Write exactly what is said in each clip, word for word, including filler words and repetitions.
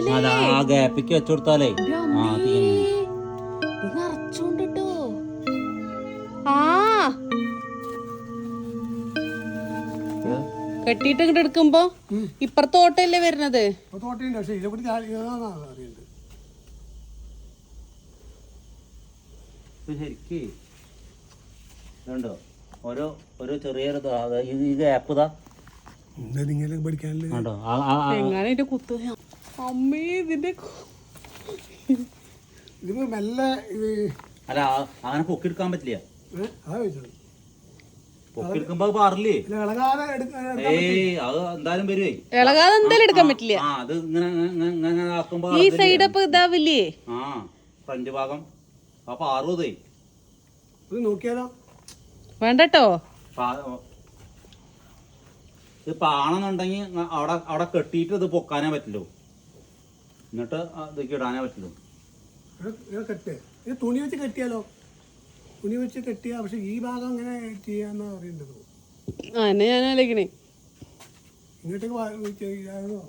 ആ ഗ്യാപ്പിക്ക് വെച്ചുകൊടുത്താലേ നിറച്ചോണ്ടിട്ടോ. ആ കെട്ടിട്ട് ഇങ്ങോട്ട് എടുക്കുമ്പോ ഇപ്പുറത്തെ ഓട്ടയല്ലേ വരുന്നത്. ശരിക്ക് ഇതുണ്ടോ ഓരോ ഓരോ ചെറിയൊരു ഈ ഗ്യാപ്പ് ഇതാ കണ്ടോ. എങ്ങനെ ഇതിന്റെ കുത്തു അമ്മേ ഇതിന്റെ അല്ല അങ്ങനെ പൊക്കിയെടുക്കാൻ പറ്റില്ല. പൊക്കിയെടുക്കുമ്പോ പാറില്ലേ? ഏയ് അത് എന്തായാലും വരുവേ. ഇളകാതെ എന്തായാലും എടുക്കാൻ പറ്റില്ല. ആ അത് ഇങ്ങനെ ഇങ്ങനെ ആക്കുമ്പോ ഈ സൈഡ് അപ്പൊ ഇതാവില്ലേ? ആ ഫ്രണ്ട് ഭാഗം ആ പാറുതേ നോക്കിയാലോ വേണ്ടട്ടോ. ഇത് പാണെന്നുണ്ടെങ്കിൽ അവിടെ അവിടെ കെട്ടിയിട്ട് ഇത് പൊക്കാനേ പറ്റുള്ളൂ. എന്നിട്ട് ഇതൊക്കെ ഇടാനേ പറ്റുള്ളൂ. കെട്ട് ഇത് തുണി വെച്ച് കെട്ടിയാലോ? തുണി വെച്ച് കെട്ടിയാ പക്ഷെ ഈ ഭാഗം ഇങ്ങനെ ചെയ്യാന്നാ അറിയേണ്ടത്. ആ എന്നെ ഞാൻ ആലോചിക്കണേ ഇങ്ങോട്ടേക്ക് ചെയ്യാനോ.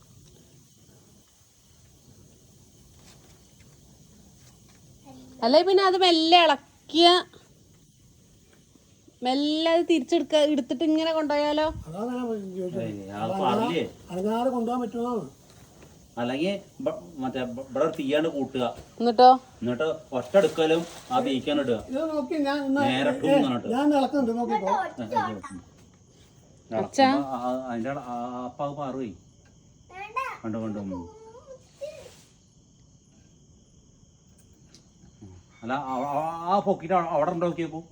അല്ലെ പിന്നെ അത് മെല്ലെ ഇളക്കിയ മെല്ലെ അത് തിരിച്ചെടുക്ക എടുത്തിട്ട് ഇങ്ങനെ കൊണ്ടുപോയാലോ? അനങ്ങാതെ കൊണ്ടുപോകാൻ പറ്റുമോ? അല്ലെങ്കിൽ മറ്റേ ഇവിടെ തീയാണ്ട് കൂട്ടുക, എന്നിട്ടോ എന്നിട്ട് ഒറ്റ എടുക്കലും ആ തീക്കാൻ ഇടുക. നേരെ അതിന്റെ അപ്പ പാറുപോയി കണ്ടു കണ്ടു. അല്ല ആ പൊക്കിട്ട് അവിടെ ഉണ്ടോ നോക്കിയപ്പോ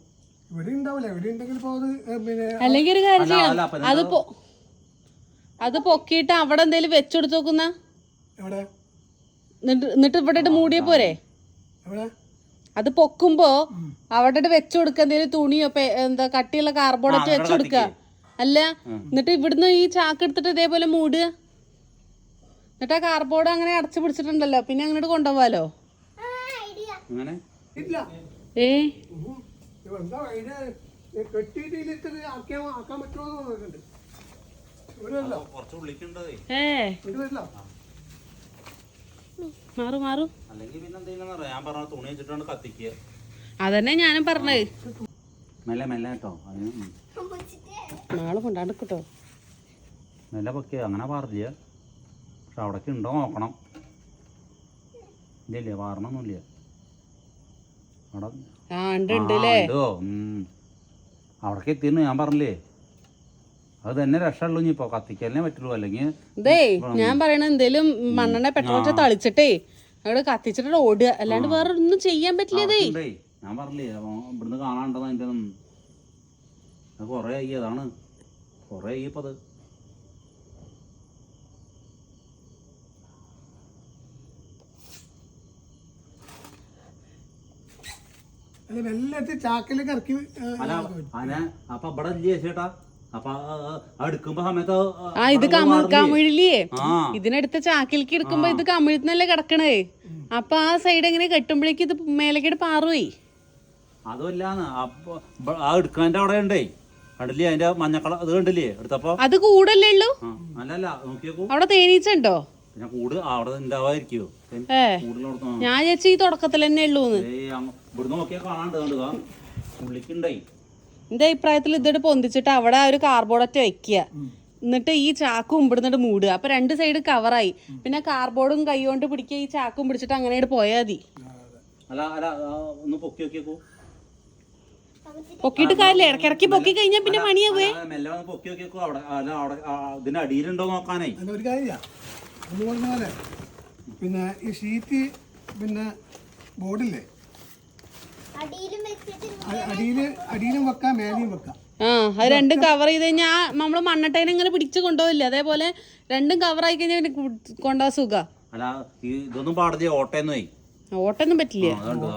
അല്ലെങ്കിൽ ഒരു കാര്യം ചെയ്യാം, അത് അത് പൊക്കിയിട്ട് അവിടെ എന്തേലും വെച്ചെടുത്ത് നോക്കുന്ന എന്നിട്ട് ഇവിടെ മൂടിയ പോരെ. അത് പൊക്കുമ്പോ അവിടെ വെച്ചു കൊടുക്ക, എന്തേലും തുണിയോ എന്താ കട്ടിയുള്ള കാർബോർഡൊക്കെ വെച്ചു കൊടുക്ക. അല്ല എന്നിട്ട് ഇവിടുന്ന് ഈ ചാക്ക് എടുത്തിട്ട് ഇതേപോലെ മൂടുക. എന്നിട്ട് ആ കാർബോർഡ് അങ്ങനെ അടച്ചു പിടിച്ചിട്ടുണ്ടല്ലോ, പിന്നെ അങ്ങോട്ട് കൊണ്ടുപോവാലോ. ഏ മാറു മാറു അതന്നെ ഞാനും പറഞ്ഞത്. നാളെ കൊണ്ടാണ്ട് കിട്ടോ മെല്ലെ പൊക്കിയ അങ്ങനെ പാറില്ല. പക്ഷെ അവിടേക്ക് ഉണ്ടോ നോക്കണം. ഇല്ല പാറണൊന്നുമില്ല അവിടെ. അവിടേക്ക് എത്തിയിരുന്നു ഞാൻ പറഞ്ഞില്ലേ. അത് തന്നെ രക്ഷയുള്ളൂ. ഇനിയിപ്പോ കത്തിക്കാനേ പറ്റുള്ളൂ. അല്ലെങ്കിൽ ഇതേ ഞാൻ പറയണ എന്തേലും മണ്ണെണ്ണ പെട്രോൾ തളിച്ചിട്ടേ അവിടെ കത്തിച്ചിട്ട് ഓടുക, അല്ലാണ്ട് വേറെ ഒന്നും ചെയ്യാൻ പറ്റില്ലേ. ഞാൻ പറഞ്ഞില്ലേ ഇവിടുന്ന് കാണാണ്ടത് അതിന്റെ കൊറേ ആയി. അതാണ് കൊറേ ആയി ഇപ്പൊ അത്. ചാക്കിലേക്ക് ഇറക്കി അപ്പൊ ഇവിടെ ഇല്ലേ ചേട്ടാ. അപ്പൊ എടുക്കുമ്പോ സമയത്ത് ആ ഇത് കമിഴില്ലേ, ഇതിനടുത്ത ചാക്കിലേക്ക് എടുക്കുമ്പോ ഇത് കമിഴ്ന്നല്ലേ കിടക്കണേ. അപ്പൊ ആ സൈഡ് എങ്ങനെ കെട്ടുമ്പോഴേക്ക് ഇത് മേലേക്കിട്ട് പാറുപോയി. അതുമല്ലാന്ന് അപ്പൊ ആ എടുക്കാൻ്റെ അവിടെ ഉണ്ടേ കണ്ടില്ലേ അതിന്റെ മഞ്ഞക്കള ഇത് കണ്ടില്ലേ എടുത്തപ്പോ. അത് കൂടല്ലേ ഉള്ളൂ. അല്ലല്ല നോക്കിയേക്കൂ അവിടെ തേനീച്ചുണ്ടോ? പിന്നെ കൂട് അവിടെ ഉണ്ടാവാതിരിക്കോ? ഞാൻ ചേച്ചി ഈ തുടക്കത്തിൽ തന്നെ ഉള്ളൂന്ന്. ഇവിടുന്ന് നോക്കിയാ കാണാണ്ട് കണ്ടുക ഉള്ളിക്കുണ്ടായി. എന്റെ അഭിപ്രായത്തിൽ ഇതിട്ട് പൊന്തിച്ചിട്ട് അവിടെ ഒരു കാർബോർഡൊറ്റ വെക്കുക, എന്നിട്ട് ഈ ചാക്കും ഇവിടുന്നിട്ട് മൂടുക. അപ്പൊ രണ്ട് സൈഡ് കവറായി. പിന്നെ കാർബോർഡും കൈ കൊണ്ട് പിടിക്കുക, ഈ ചാക്കും പിടിച്ചിട്ട് അങ്ങനെ പോയാൽ മതി. പൊക്കിയിട്ട് കാര്യമില്ല, ഇടക്കിടക്ക് പൊക്കി കഴിഞ്ഞാൽ പിന്നെ പണിയാവേ. ഒരു കാര്യം പിന്നെ ഈ ഷീറ്റ് പിന്നെ ബോർഡില്ലേ അടിയില് അടിയിലും വെക്കാം മേലെയും വെക്കാം. ആ അത് രണ്ടും കവർ ചെയ്ത് കഴിഞ്ഞാൽ നമ്മള് മണ്ണട്ടേനെ ഇങ്ങനെ പിടിച്ച് കൊണ്ടുപോകില്ല. അതേപോലെ രണ്ടും കവറായി കഴിഞ്ഞാൽ കൊണ്ടുപോകാൻ സുഖ. ഇതൊന്നും പാടില്ല. ഓട്ടയൊന്നും ഓട്ടൊന്നും പറ്റില്ല.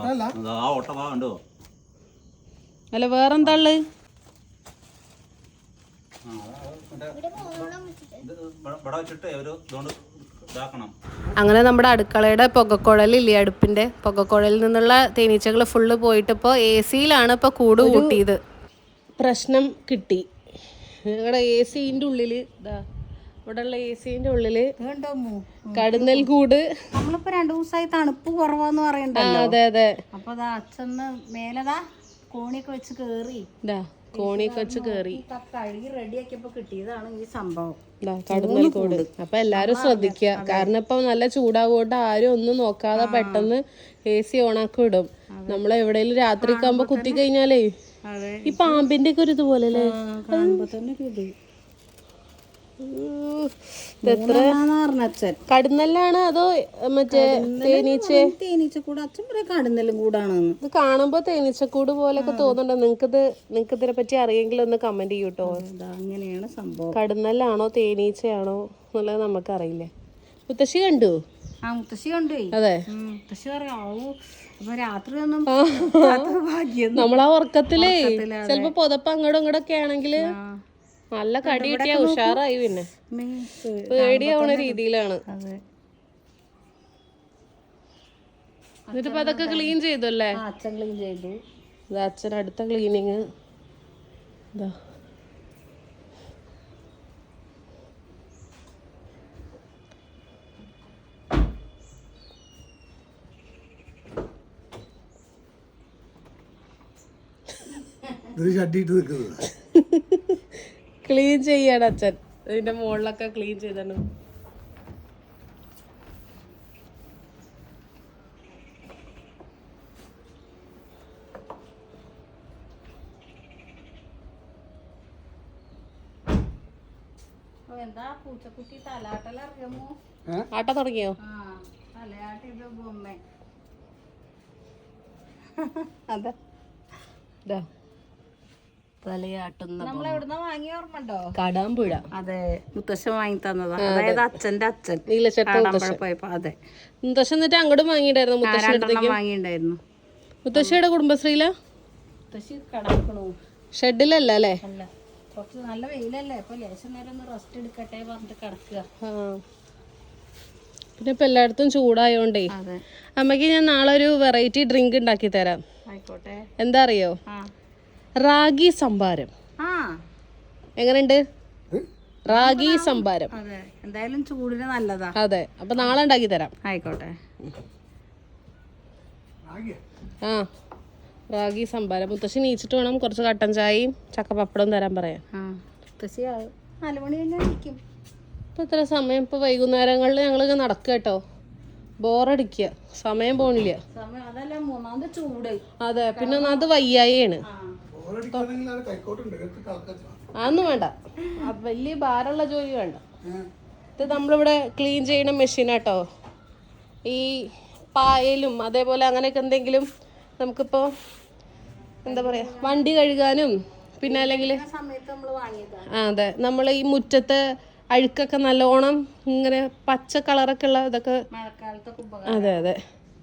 അല്ല വേറെന്താ ഉള്ളത്? അങ്ങനെ നമ്മുടെ അടുക്കളയുടെ പുകക്കുഴലില്ലേ, അടുപ്പിന്റെ പുകക്കുഴലിൽ നിന്നുള്ള തേനീച്ചകൾ ഫുള്ള് പോയിട്ട് ഇപ്പോൾ എ സിയിലാണ് ഇപ്പോൾ കൂട് കൂട്ടിയത്. പ്രശ്നം കിട്ടി. ഞങ്ങളുടെ എ സിൻ്റെ ഉള്ളിൽ ഇതാ ഇവിടെയുള്ള എ സിന്റെ ഉള്ളില് കണ്ടോ കടുന്നൽ കൂട്. നമ്മളിപ്പോ രണ്ടു ദിവസമായി തണുപ്പ് കുറവാന്ന് ആ പറയണ്ടല്ലോ. അതെ അതെ. അപ്പൊ അതാ അച്ഛന്ന് മേലതാ കോണിയൊക്കെ വെച്ച് കേറി ഇതാ കോണിയൊക്കെ വെച്ച് കേറി കഴുകി റെഡിയാക്കിയപ്പോ കിട്ടിയതാണ് ഈ സംഭവം. കടുന്നൽ കൂട്. അപ്പൊ എല്ലാരും ശ്രദ്ധിക്കുക, കാരണം ഇപ്പൊ നല്ല ചൂടാകൊണ്ട് ആരും ഒന്നും നോക്കാതെ പെട്ടെന്ന് എ സി ഓണാക്കി വിടും. നമ്മൾ എവിടെയെങ്കിലും രാത്രി ഒക്കെ ആകുമ്പോ കുത്തി കഴിഞ്ഞാലേ ഈ പാമ്പിന്റെ ഒക്കെ ഒരു ഇതുപോലെ അല്ലേ കാണുമ്പോ തന്നെ ഇത് എത്ര അച്ഛൻ കടുന്നല്ലാണ് അതോ മറ്റേ തേനീച്ച? തേനീച്ചക്കൂട് അച്ഛൻ പറയാ കടുന്നലും കൂടാണെന്ന്. ഇത് കാണുമ്പോ തേനീച്ചക്കൂട് പോലെയൊക്കെ തോന്നുന്നുണ്ട്. നിങ്ങൾക്കിത് നിങ്ങൾക്ക് ഇതിനെ പറ്റി അറിയെങ്കിൽ ഒന്ന് കമന്റ് ചെയ്യൂട്ടോ. അങ്ങനെയാണ് സംഭവം. കടുന്നല്ലാണോ തേനീച്ചയാണോ എന്നുള്ളത് നമുക്കറിയില്ല. മുത്തശ്ശി കണ്ടു? ആ മുത്തശ്ശി കൊണ്ടുപോയി. അതെ, മുത്തശ്ശി പറയാ അപ്പൊ രാത്രി ഒന്നും ഭാഗ്യം. നമ്മളാ ഉറക്കത്തിലേ ചിലപ്പോ പുതപ്പ് അങ്ങോട്ടും ഇങ്ങോട്ടൊക്കെ ആണെങ്കില് നല്ല കടി കിട്ടിയാ ഉഷാറായി. പിന്നെ പേടിയാവണ രീതിയിലാണ്. എന്നിട്ടിപ്പോ അതൊക്കെ ക്ലീൻ ചെയ്തല്ലേ? അച്ഛൻ ക്ലീൻ ചെയ്തു. അച്ഛൻ അടുത്ത ക്ലീനിങ് ഇതാ. ഷട്ടിട്ട് നിൽക്കുന്നത് ക്ലീൻ ചെയ്യാണ് അച്ഛൻ. ഇതിന്റെ മുകളിലൊക്കെ ക്ലീൻ ചെയ്താണ്. എന്താ പൂച്ചക്കുട്ടി തലാട്ടലറിയാമോ? ആട്ട തുടങ്ങിയോ? ആ തലയാട്ടി ഇത് ബൊമ്മ. അതെ തലയാട്ടുന്ന നമ്മൾ എവിടുന്ന വാങ്ങിയ ഓർമ്മണ്ടോ? കടാമ്പുഴ. അതെ, മുത്തശ്ശൻ വാങ്ങി തന്നതാ. അതായത് അച്ഛന്റെ അച്ഛൻ നീലച്ചട്ട പോയപ്പോ. അതെ, മുത്തശ്ശൻ എന്നിട്ട് അങ്ങോട്ട് വാങ്ങിണ്ടായിരുന്നു. മുത്തശ്ശി വാങ്ങിണ്ടായിരുന്നു. മുത്തശ്ശിയുടെ കുടുംബശ്രീല മുത്തശ്ശി കടക്കണു ഷെഡിലല്ല അല്ലേ? അല്ല, കുറച്ച് നല്ല വെയിലല്ലേ, അപ്പൊ ലേശം നേരം ഒന്ന് റെസ്റ്റ് എടുക്കട്ടെ പറഞ്ഞിട്ട് കിടക്കുക. പിന്നെ ഇപ്പൊ എല്ലായിടത്തും ചൂടായോണ്ടേ അതെ. അമ്മക്ക് ഞാൻ നാളെ ഒരു വെറൈറ്റി ഡ്രിങ്ക് ഉണ്ടാക്കി തരാം. ആയിക്കോട്ടെ. എന്താ അറിയോ? റാഗി സംഭാരം. ആ എങ്ങനെയുണ്ട്? റാഗി സംഭാരം. അതെ, എന്തായാലും ചൂടിന് നല്ലതാ. അതെ, അപ്പൊ നാളെ ഉണ്ടാക്കി തരാം. ആയിക്കോട്ടെ. ആ റാഗി സംഭാരം. മുത്തശ്ശി നീച്ചിട്ട് വേണം കുറച്ച് കട്ടൻ ചായയും ചക്കപ്പപ്പടവും തരാൻ പറയാം. മുത്തശ്ശി നാല് മണി കഴിഞ്ഞാൽ നിൽക്കും. ഇപ്പൊ ഇത്ര സമയം? ഇപ്പൊ വൈകുന്നേരങ്ങളിൽ ഞങ്ങളിങ്ങനെ നടക്കുക കേട്ടോ. ബോറടിക്കുക, സമയം പോണില്ല. സമയം അതല്ല, മൂന്നാമത് ചൂട്. അതെ, പിന്നെ ഒന്നാമത് വയ്യായാണ്. അതൊന്നും വേണ്ട, വലിയ ഭാരമുള്ള ജോലി വേണ്ട. ഇത് നമ്മളിവിടെ ക്ലീൻ ചെയ്യണ മെഷീനാട്ടോ. ഈ പായലും അതേപോലെ അങ്ങനെയൊക്കെ എന്തെങ്കിലും നമുക്കിപ്പോൾ എന്താ പറയാ, വണ്ടി കഴുകാനും പിന്നെ അല്ലെങ്കിൽ ആ അതെ, നമ്മൾ ഈ മുറ്റത്തെ അഴുക്കൊക്കെ നല്ലോണം ഇങ്ങനെ പച്ച കളറൊക്കെ ഉള്ള ഇതൊക്കെ. അതെ അതെ.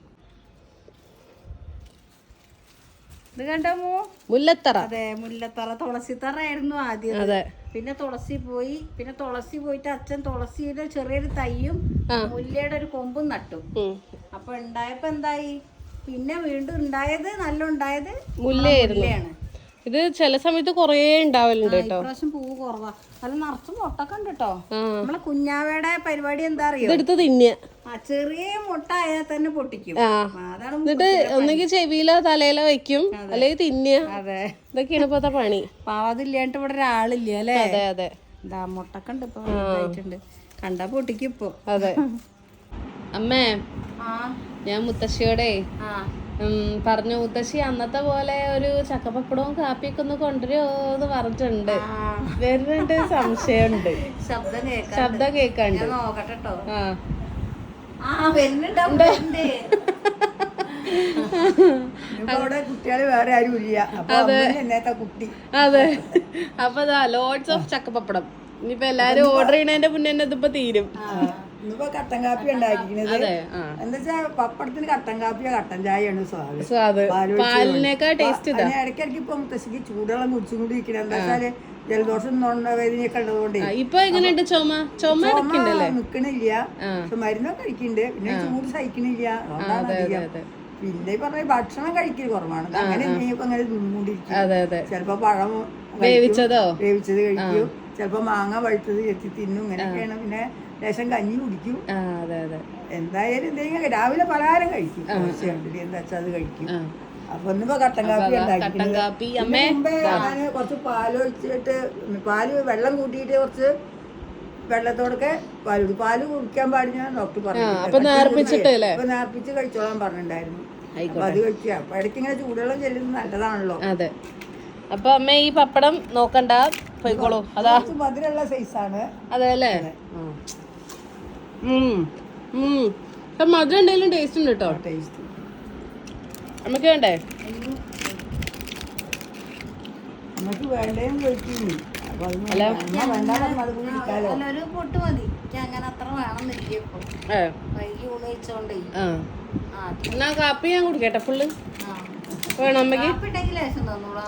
ഇത് കണ്ടമോ? മുല്ലത്തറ. അതെ, മുല്ലത്തറ. തുളസിത്തറ ആയിരുന്നു ആദ്യം. അതെ, പിന്നെ തുളസി പോയി. പിന്നെ തുളസി പോയിട്ട് അച്ഛൻ തുളസിയുടെ ചെറിയൊരു തയ്യും മുല്ലയുടെ ഒരു കൊമ്പും നട്ടു. അപ്പൊ ഉണ്ടായപ്പോ എന്തായി, പിന്നെ വീണ്ടും ഉണ്ടായത് നല്ല ഉണ്ടായത് മുല്ലയാണ്. ഇത് ചില സമയത്ത് കൊറേ ഉണ്ടാവലുണ്ട് കേട്ടോ. ഇപ്രാവശ്യം പൂവ് കുറവാ. അത് നിറച്ച് മുട്ടൊക്കെ ഉണ്ട് കേട്ടോ. നമ്മളെ കുഞ്ഞാവയുടെ പരിപാടി എന്താ അറിയോ? ഇതെടുത്ത് തിന്നുക. ആ ചെറിയ മുട്ട ആയാൽ തന്നെ പൊട്ടിക്കും. അതാണ്. എന്നിട്ട് ഒന്നെങ്കിൽ ചെവിയിലോ തലയിലോ വെക്കും, അല്ലെങ്കിൽ തിന്നുക. അതെ, ഇതൊക്കെയാണ് ഇപ്പത്തെ പണി. പാവതില്ലാണ്ട് ഇവിടെ ഒരാളില്ല അല്ലേ? അതെ അതെ. എന്താ മുട്ടൊക്കെ ഉണ്ട് ഇപ്പൊ, വലുതായിട്ടുണ്ട്. കണ്ടാ പൊട്ടിക്കും ഇപ്പൊ. അതെ. അമ്മേ, ഞാൻ മുത്തശ്ശിയോടെ പറഞ്ഞു, മുത്തശ്ശി അന്നത്തെ പോലെ ഒരു ചക്കപ്പപ്പടവും കാപ്പിയൊക്കെ ഒന്ന് കൊണ്ടുവരുമോന്ന് പറഞ്ഞിട്ടുണ്ട്. വരുന്നുണ്ട്, സംശയമുണ്ട്. ശബ്ദം കേൾക്കാം, ശബ്ദം കേൾക്കാണ്ട്. നോക്കട്ടോ. ആ കുട്ടികള് വേറെ ആരും ഇല്ല. കുട്ടി. അതെ, അപ്പൊ ലോഡ്സ് ഓഫ് ചക്കപ്പപ്പടം. ഇനിയിപ്പോ എല്ലാരും ഓർഡർ ചെയ്യണതിന്റെ മുന്നേ തന്നെ ഇതിപ്പോ തീരും. ഇന്നിപ്പോ കട്ടൻ കാപ്പി ഉണ്ടാക്കിക്കുന്നത്. എന്താ വെച്ചാ പപ്പടത്തിന് കട്ടൻ കാപ്പിയോ കട്ടൻ ചായയാണ് സ്വാദ്. സ്വാദ് പാലിനേക്കാൾ ടേസ്റ്റ്. ഇടയ്ക്കിടയ്ക്ക് ഇപ്പൊ മുത്തശ്ശിക്ക് ചൂടുവെള്ളം കുടിച്ചുകൊണ്ടിരിക്കണം. എന്താ വെച്ചാല് ജലദോഷം വേദനയൊക്കെ ഉള്ളതുകൊണ്ട്. ഇപ്പൊ എങ്ങനെയുണ്ട്? ചുമ ചുമ നിക്കണില്ല, പക്ഷെ മരുന്നൊക്കെ കഴിക്കുന്നുണ്ട്. പിന്നെ ചൂട് സഹിക്കണില്ല, അതുകൊണ്ടാണ് അധികം. പിന്നെ പറഞ്ഞ ഭക്ഷണം കഴിക്കൽ കുറവാണ്. അങ്ങനെ എന്തെങ്കിലും അങ്ങനെ നിന്നുകൊണ്ടിരിക്കും. ചിലപ്പോ പഴം വേവിച്ചത് വേവിച്ചത് കഴിക്കും, ചിലപ്പോ മാങ്ങ പഴുത്തത് ചെത്തി തിന്നും ഇങ്ങനെയൊക്കെയാണ്. പിന്നെ ലേശം കഞ്ഞി കുടിക്കും. ആ അതെ അതെ. എന്തായാലും എന്തെങ്കിലും രാവിലെ പലഹാരം കഴിക്കും. കുറച്ച് കണ്ടിട്ട് എന്താ വെച്ചാൽ അത് കഴിക്കും. അപ്പൊ ഒന്നിപ്പോ കട്ടൻ കാപ്പി കട്ടൻ കാപ്പി അമ്മേ മുമ്പേ ഞാന് കുറച്ച് പാലൊഴിച്ചിട്ട് പാല് വെള്ളം കൂട്ടിയിട്ട് കുറച്ച് വെള്ളത്തോടൊക്കെ പാല് കുടി പാല് കുടിക്കാൻ പാടില്ല ഡോക്ടർ പറഞ്ഞു. അപ്പൊ നേർപ്പിച്ചിട്ട് അല്ലേ? അപ്പൊ നേർപ്പിച്ച് കഴിച്ചോളാൻ പറഞ്ഞിട്ടുണ്ടായിരുന്നു. അപ്പൊ അത് കഴിക്കുക. അപ്പൊ ഇടയ്ക്ക് ഇങ്ങനെ ചൂടുവെള്ളം ചെല്ലുന്നത് നല്ലതാണല്ലോ. അതെ. അപ്പൊ അമ്മ ഈ പപ്പടം നോക്കണ്ട, പോയിക്കോളൂ. അതാ മധുരമുള്ള സൈസാണ്. അതെ അല്ലേ? മധുരം എന്തെങ്കിലും ടേസ്റ്റ് ഉണ്ട് കേട്ടോ. ടേസ്റ്റ് നമുക്ക് വേണ്ടേ? നമുക്ക് വേണ്ടേയും കഴിക്കുന്നു. അപ്പൊ അത് അല്ല വേണ്ട പറഞ്ഞാൽ അത് കുടിക്കാലോ. ഒരു പൊട്ട് മതി. എനിക്ക് അങ്ങനെ അത്ര വേണമെന്നില്ല ഇപ്പൊ. ഏ വൈകി ഊണ് കഴിച്ചോണ്ടേ. ആ ആ എന്നാ കാപ്പി ഞാൻ കുടിക്കട്ടെ ഫുള്ള് വേണം അമ്മയ്ക്ക്? കാപ്പിട്ടെങ്കിൽ ലേശം തന്നോളൂ.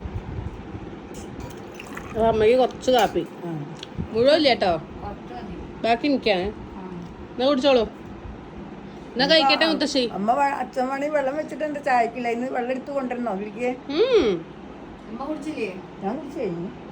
അമ്മയ്ക്ക് കുറച്ച് കാപ്പി മുഴുവൻ ഇല്ല കേട്ടോ, കുറച്ച് മതി. ബാക്കി എനിക്കാണ്. എന്നാ കുടിച്ചോളൂ. എന്നാ കഴിക്കട്ടെ മുത്തശ്ശി. അമ്മ വ- അച്ഛൻ മണി വെള്ളം വെച്ചിട്ടുണ്ട് ചായക്കില്ല. ഇന്ന് വെള്ളം എടുത്ത് കൊണ്ടുവരണോ വീട്ടിലേക്ക്? ഉം അമ്മ കുടിച്ചില്ലേ? ഞാൻ കുടിച്ചു കഴിഞ്ഞു.